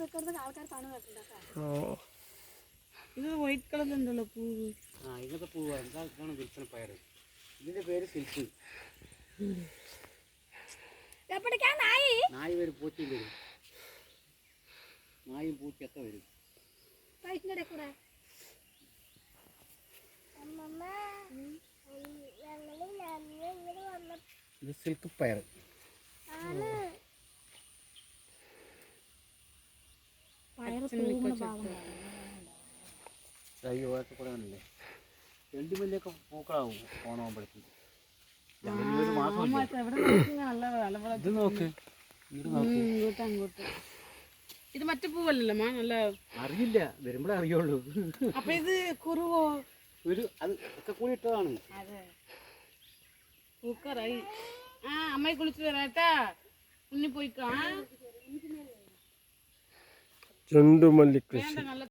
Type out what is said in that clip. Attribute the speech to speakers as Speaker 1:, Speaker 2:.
Speaker 1: ഇത് വൈറ്റ് കളറിലുണ്ടല്ലോ പൂവ്.
Speaker 2: ഇങ്ങനത്തെ പൂവ് എന്താണ് വിൽപ്പന പയർ. ഇതിന്റെ പേര് സിൽക്ക്. നായി വരും, പൂച്ചയും വരും. നായും പൂച്ചയൊക്കെ വരും. ഇത് സിൽക്ക് പയർ. ഓരൊക്കെ കൂടെ ആണല്ലേ. ചെണ്ടുമല്ലിയൊക്കെ പൂക്കളാവും ഓണമാകുമ്പോഴത്തേക്ക്. ഇത് നോക്ക്,
Speaker 1: അങ്ങോട്ട്. ഇത് മറ്റേ പൂവല്ലല്ലോ മാ, നല്ല
Speaker 2: അറിയില്ല, വരുമ്പോഴേ അറിയുള്ളൂ.
Speaker 1: അപ്പൊ ഇത് കുറുവോ?
Speaker 2: അത് ഒക്കെ കൂടി ഇട്ടതാണ്.
Speaker 1: അതെ, പൂക്കറായി. അമ്മയെ കുളിച്ചു വരാട്ടാ, ഉണ്ണി പോയിക്കാ.
Speaker 3: ചെണ്ടുമല്ലി കൃഷി.